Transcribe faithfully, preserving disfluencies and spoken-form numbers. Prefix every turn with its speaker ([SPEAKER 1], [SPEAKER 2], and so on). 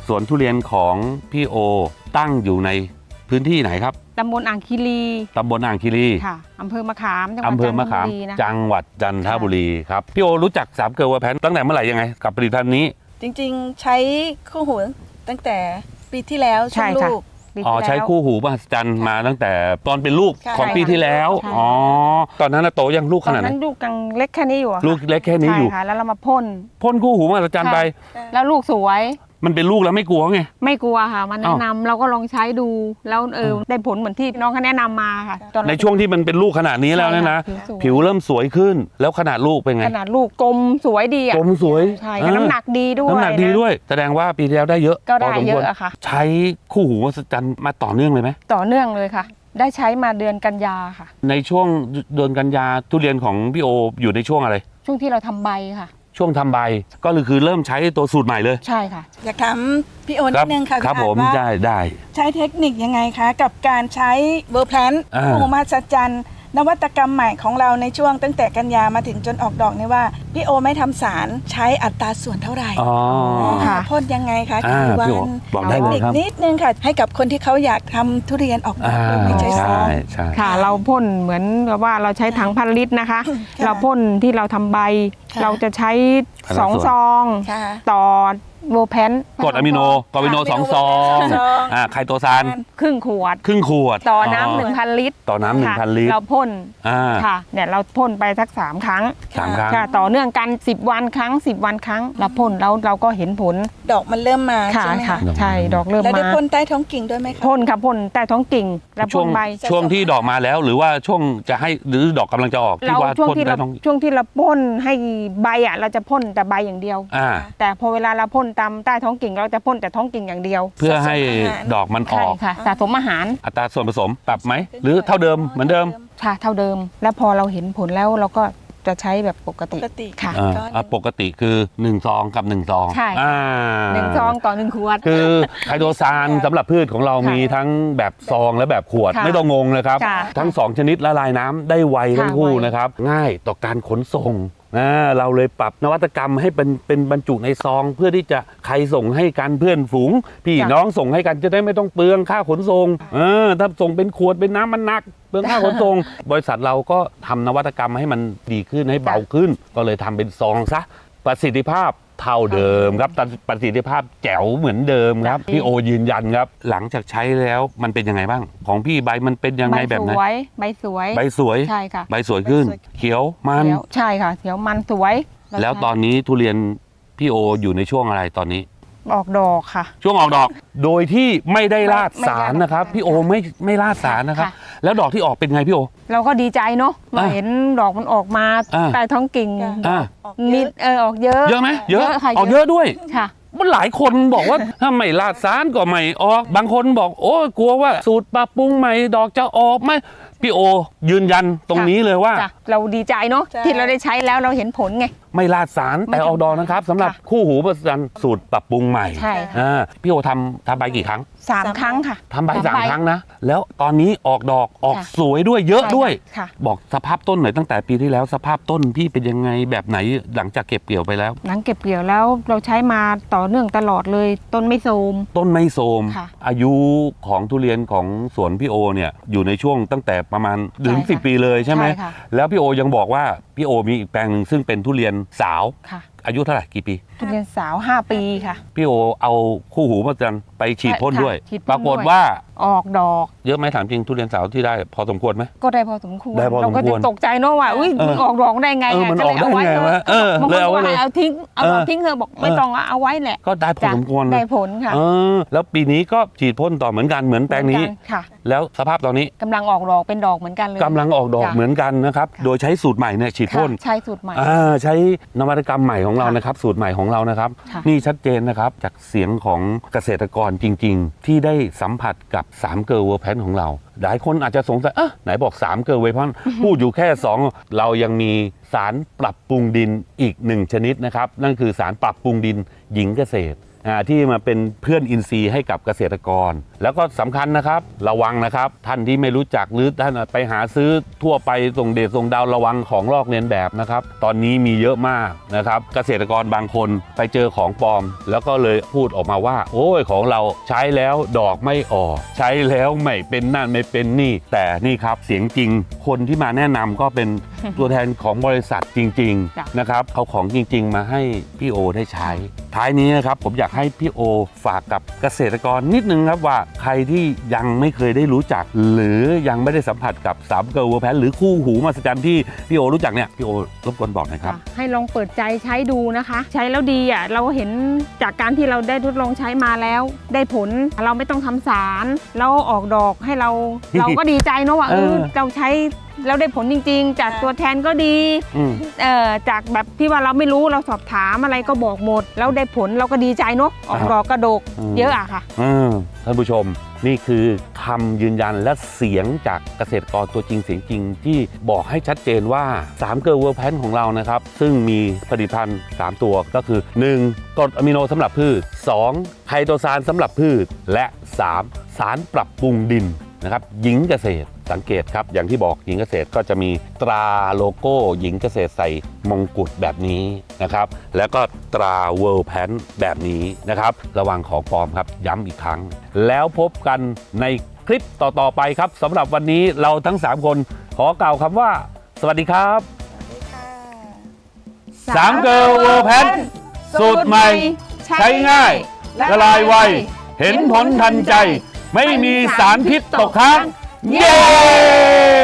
[SPEAKER 1] สวนทุเรียนของพี่โอตั้งอยู่ในพื้นที่ไหนครับ
[SPEAKER 2] ตำบลอ่างคีรี
[SPEAKER 1] ตำบลอ่างคีรี
[SPEAKER 2] ค่ะอำเภอมะขามจังหวัด
[SPEAKER 1] อำเภอมะขามจังหวัดจันทบุรีครับพี่โอรู้จักสามเกลือเวอร์แพนตั้งแต่เมื่อไหร่ยังไงกับผลิตภัณฑ์นี้
[SPEAKER 3] จริงๆใช้คู่หูตั้งแต่ปีที่แล้วช่วงลูก
[SPEAKER 1] อ๋อใช้คู่หูมหัศจรรย์มาตั้งแต่ตอนเป็นลูกของปีที่แล้วอ๋อตอนนั้นโตยังลูกขนาดไหน
[SPEAKER 2] ตอนนั้นลูกยังเล็กแค่นี้อยู่
[SPEAKER 1] ลูกเล็กแค่นี้อยู่
[SPEAKER 2] ค่ะแล้วเรามาพ่น
[SPEAKER 1] พ่นคู่หูมหัศจรรย์ไป
[SPEAKER 2] แล้วลูกสวย
[SPEAKER 1] มันเป็นลูกแล้วไม่กลัวไง
[SPEAKER 2] ไม่กลัวค่ะมันแนะนำเราก็ลองใช้ดูแล้วเออได้ผลเหมือนที่น้องเขาแนะนำมาค่ะ
[SPEAKER 1] ในช่วงที่มันเป็นลูกขนาดนี้แล้วเนี่ยนะผิวเริ่มสวยขึ้นแล้วขนาดลูกเป็นไง
[SPEAKER 2] ขนาดลูกกลมสวยดีอ่ะ
[SPEAKER 1] กลมสวย
[SPEAKER 2] ใช่น้ำหนักดีด้วย
[SPEAKER 1] น้ำหนักดีด้วยแสดงว่าปีที่แล้วได้เยอะ
[SPEAKER 2] ก็ได้เยอะอะค่ะ
[SPEAKER 1] ใช้คู่หูมหัศจรรย์มาต่อเนื่องเลยไหม
[SPEAKER 2] ต่อเนื่องเลยค่ะได้ใช้มาเดือนกันยาค่ะ
[SPEAKER 1] ในช่วงเดือนกันยาทุเรียนของพี่โออยู่ในช่วงอะไร
[SPEAKER 2] ช่วงที่เราทำใบค่ะ
[SPEAKER 1] ช่วงทำใบก็คือเริ่มใช้ตัวสูตรใหม่เลย
[SPEAKER 2] ใช่ค่ะ
[SPEAKER 3] อยากถามพี่โอนิดนึงค่ะ
[SPEAKER 1] ครับผมได้ได้
[SPEAKER 3] ใช้เทคนิคยังไงคะกับการใช้เวอร์แพลนคู่หูมหัศจรรย์นวัตกรรมใหม่ของเราในช่วงตั้งแต่กันยามาถึงจนออกดอกนี่ว่าพี่โอไม่ทำสารใช้อัตราส่วนเท่าไหร่
[SPEAKER 1] อ๋อ
[SPEAKER 3] ค่ะพ่นยังไงคะกี่วัน
[SPEAKER 1] บอกได้เลยครับ
[SPEAKER 3] นิดนึงค่ะให้กับคนที่เขาอยากทำทุเรียนออกดอกไม่ใช่สาร
[SPEAKER 2] ค่ะเราพ่นเหมือนกับว่าเราใช้ถังพันลิตรนะคะเราพ่นที่เราทำใบเราจะใช้สองซองต่อโวแพน
[SPEAKER 1] กรดอะมิโนกรดอะมิโนสองซองอ่าไคโตซาน
[SPEAKER 2] ครึ่งขวด
[SPEAKER 1] ครึ่งขวด
[SPEAKER 2] ต่อน้ำหนึ่งพันลิตร
[SPEAKER 1] ต่อน้ำหนึ่งพันลิตร
[SPEAKER 2] เราพ่นค่ะเนี่ยเราพ่นไปสักสามครั้ง
[SPEAKER 1] สามครั้ง
[SPEAKER 2] ต่อเนื่องกันสิบวันครั้งสิบวันครั้งเราพ่นแล้วเราก็เห็นผล
[SPEAKER 3] ดอกมันเริ่มมาใช่ไหม
[SPEAKER 2] คะใช่ดอกเริ่มมา
[SPEAKER 3] แล้วได้พ่นใต้ท้องกิ่งด้วยไหมคะ
[SPEAKER 2] พ่นค่ะพ่นใต้ท้องกิ่งแล้วพ่นใบ
[SPEAKER 1] ช่วงที่ดอกมาแล้วหรือว่าช่วงจะให้หรือดอกกำลังจะออก
[SPEAKER 2] ที่ว่าช่วงที่เราช่วงที่เราพ่นให้ใบอ่ะเราจะพ่นแต่ใบอย่างเดียวแต่พอเวลาเราพ่นตามใต้ท้องกิ่งเราจะพ่นแต่ท้องกิ่งอย่างเดียว
[SPEAKER 1] เพื่อให้ดอกมันออก
[SPEAKER 2] ค่ะสะสมอาหาร
[SPEAKER 1] อัตราส่วนผสมปรับไหมหรือเท่าเดิมเหมือนเดิม
[SPEAKER 2] ค่ะเท่าเดิมแล้วพอเราเห็นผลแล้วเราก็จะใช้แบบปกติ
[SPEAKER 3] ค่ะ
[SPEAKER 1] ปกติคือหนึ่งซองกับหนึ่งซอง
[SPEAKER 2] ใช่หนึ่งซองต่อหนึ่งขวด
[SPEAKER 1] คือไคโตซานสำหรับพืชของเรามีทั้งแบบซองและแบบขวดไม่ต้องงงนะครับทั้งสองชนิดละลายน้ำได้ไวทั้งคู่นะครับง่ายต่อการขนส่งเราเลยปรับนวัตกรรมให้เป็นเป็นบรรจุในซองเพื่อที่จะใครส่งให้กันเพื่อนฝูงพี่น้องส่งให้กันจะได้ไม่ต้องเปลืองค่าขนส่งเออถ้าส่งเป็นขวดเป็นน้ำมันหนักเปลืองค่าขนส่งบริษัทเราก็ทำนวัตกรรมให้มันดีขึ้นให้เบาขึ้นก็เลยทำเป็นซองซะประสิทธิภาพเท่าเดิมครับประสิทธิภาพแจ๋วเหมือนเดิมครับพี่โอยืนยันครับหลังจากใช้แล้วมันเป็นยังไงบ้างของพี่ใบมันเป็นยังไงแบบไหน
[SPEAKER 2] ใบสวย
[SPEAKER 1] ใบสวย
[SPEAKER 2] ใช่ค่ะ
[SPEAKER 1] ใบสวยขึ้นเขียวมัน
[SPEAKER 2] ใช่ค่ะเขียวมันสวย
[SPEAKER 1] แล้วตอนนี้ทุเรียนพี่โออยู่ในช่วงอะไรตอนนี้
[SPEAKER 2] ออกดอกค่ะ
[SPEAKER 1] ช่วงออกดอกโดยที่ไม่ได้ราดสารนะครับพี่โอไม่ไม่ราดสารนะครับแล้วดอกที่ออกเป็นไงพี่โอ
[SPEAKER 2] เราก็ดีใจเนาะมาเห็นดอกมันออกมาใต้ท้องกิ่งมีเออออกเยอะ
[SPEAKER 1] เยอะไหมเยอะออกเยอะด้วย
[SPEAKER 2] ค่ะ
[SPEAKER 1] มันหลายคนบอกว่าถ้าไม่ราดสารก็ไม่ออกบางคนบอกโอ้กลัวว่าสูตรปรับปรุงใหม่ดอกจะออกไหมพี่โอยืนยันตรงนี้เลยว่า
[SPEAKER 2] เราดีใจเนาะที่เราได้ใช้แล้วเราเห็นผลไง
[SPEAKER 1] ไม่ราดสารแต่ออกดอกนะครับสำหรับคู่หูประจันสูตรปรับปรุงใหม่
[SPEAKER 2] ใช่
[SPEAKER 1] พี่โอทำทำใบกี่ครั้ง
[SPEAKER 2] สามครั้งค่ะ
[SPEAKER 1] ทำใบสามครั้งนะแล้วตอนนี้ออกดอกออกสวยด้วยเยอะด้วยบอกสภาพต้นหน่อยตั้งแต่ปีที่แล้วสภาพต้นพี่เป็นยังไงแบบไหนหลังจากเก็บเกี่ยวไปแล้ว
[SPEAKER 2] หลังเก็บเกี่ยวแล้วเราใช้มาต่อเนื่องตลอดเลยต้นไม่โทรม
[SPEAKER 1] ต้นไม่โทรมอายุของทุเรียนของสวนพี่โอเนี่ยอยู่ในช่วงตั้งแต่ประมาณถึงสิบปีเลยใช่ไหมแล้วพี่โอยังบอกว่าพี่โอมีอีกแปลงหนึ่งซึ่งเป็นทุเรียนสาวอายุเท่าไหร่กี่ปี
[SPEAKER 2] ทุเรียนสาวห้าปีค่ะ
[SPEAKER 1] พี่โอเอาคู่หูมาจันไปฉีดพ่นด้วยปรากฏว่า
[SPEAKER 2] ออกดอก
[SPEAKER 1] เยอะไหมถามจริงทุเรียนสาวที่ได้พอสมควรไหม
[SPEAKER 2] ก็ได้พอสมควร
[SPEAKER 1] เราก็
[SPEAKER 2] จะตกใจเนาะว่าอุ้ยออกดอกได้ไง
[SPEAKER 1] มันออกได้ไงวะเออ
[SPEAKER 2] เลยเอาไว้เอาทิ้งเอาทิ้งเธอบอกไม่ต้องเอาไว้แหละ
[SPEAKER 1] ก็ได้พอสมควร
[SPEAKER 2] ได้ผลค่ะ
[SPEAKER 1] เออแล้วปีนี้ก็ฉีดพ่นต่อเหมือนกันเหมือนแปลงนี้
[SPEAKER 2] ค่ะ
[SPEAKER 1] แล้วสภาพตอนนี้
[SPEAKER 2] กำลังออกดอกเป็นดอกเหมือนกันเลย
[SPEAKER 1] กำลังออกดอกเหมือนกันนะครับโดยใช้สูตรใหม่เนี่ยฉีดพ่น
[SPEAKER 2] ใช้สูตรใหม่
[SPEAKER 1] ใช้นวัตกรรมใหม่ของเรานะครับสูตรใหม่ของเรานะครับนี่ชัดเจนนะครับจากเสียงของเกษตรกรจริงๆที่ได้สัมผัสกับสามเกลอเวอร์แพนของเราหลายคนอาจจะสงสัยเอ๊ะไหนบอกสามเกลอเวอร์แพนพูดอยู่แค่สองเรายังมีสารปรับปรุงดินอีกหนึ่งชนิดนะครับนั่นคือสารปรับปรุงดินหญิงเกษตรอ่าที่มาเป็นเพื่อนอินทรีย์ให้กับเกษตรกร แล้วก็สำคัญนะครับระวังนะครับท่านที่ไม่รู้จักหรือท่านไปหาซื้อทั่วไปส่งเดชส่งดาวระวังของลอกเลียนแบบนะครับตอนนี้มีเยอะมากนะครับเกษตรกรบางคนไปเจอของปลอม แล้วก็เลยพูดออกมาว่าโอ้ยของเราใช้แล้วดอกไม่ออกใช้แล้วไม่เป็นนั่นไม่เป็นนี่แต่นี่ครับเสียงจริงคนที่มาแนะนำก็เป็นตัวแทนของบริษัทจริงๆนะครับเอาของจริงๆมาให้พี่โอได้ใช้ท้ายนี้นะครับผมอยากให้พี่โอฝากกับเกษตรกรนิดนึงครับว่าใครที่ยังไม่เคยได้รู้จักหรือยังไม่ได้สัมผัสกับสามเกลเวอร์แพนหรือคู่หูมหัศจรรย์ที่พี่โอรู้จักเนี่ยพี่โอรบกวนบอกหน่อยครับ
[SPEAKER 2] ให้ลองเปิดใจใช้ดูนะคะ ใช้แล้วดีอ่ะเราเห็นจากการที่เราได้ทดลองใช้มาแล้ว ได้ผลเราไม่ต้องทำสารแล้วออกดอกให้เรา เราก็ดีใจเนอะว่าเออเราใช้แล้วได้ผลจริงๆ จากตัวแทนก็ดีเอ่อจากแบบที่ว่าเราไม่รู้เราสอบถามอะไรก็บอกหมดแล้วได้ผลเราก็ดีใจเนอะออกดอกกระดกเยอะอะค่ะ
[SPEAKER 1] ท่านผู้ชมนี่คือคำยืนยันและเสียงจากเกษตรกรตัวจริงเสียงจริงที่บอกให้ชัดเจนว่าสามเกลเวอร์แพนของเรานะครับซึ่งมีผลิตภัณฑ์สามตัวก็คือหนึ่งกรดอะมิโนสำหรับพืชสองไคโตซานสำหรับพืชและสามสารปรับปรุงดินนะครับหญิงเกษตรสังเกตครับอย่างที่บอกหญิงเกษตรก็จะมีตราโลโก้หญิงเกษตรใส่มงกุฎแบบนี้นะครับแล้วก็ตราเวิลด์แพนแบบนี้นะครับระวังของปลอมครับย้ำอีกครั้งแล้วพบกันในคลิปต่อๆไปครับสำหรับวันนี้เราทั้งสามคนขอกล่าวคำว่าสวัสดีครับสามเกิร์ลเวิลด์แพนสูตรใหม่ใช้ง่ายละลายไวเห็นผลทันใจไม่มีสารพิษตกค้างเย้